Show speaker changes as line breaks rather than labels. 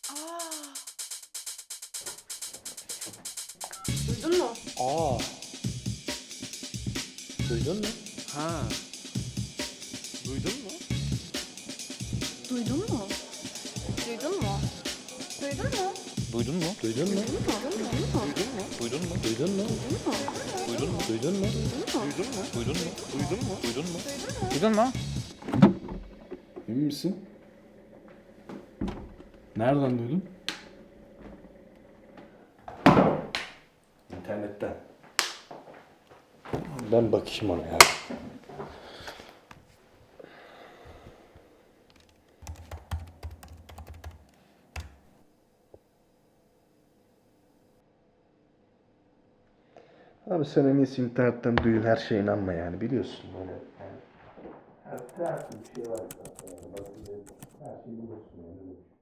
Aa. Duydun mu?
Aa. Duydun mu?
Ha. Duydun mu?
Duydun mu? Duydun mu? Duydun mu?
Duydun mu? Duydun mu?
Duydun mu?
Duydun mu?
Duydun mu?
Duydun mu?
Duydun mu?
Duydun mu?
Duydun mu?
Duydun mu?
Duydun mu?
Emin misin? Nereden duydun?
İnternetten. Ben bakayım ona ya. Abi sen en iyisi internetten duyun, her şeye inanma yani, biliyorsun böyle. Yani, her türlü bir şey var zaten. Yani, her şeyi bulursun yani.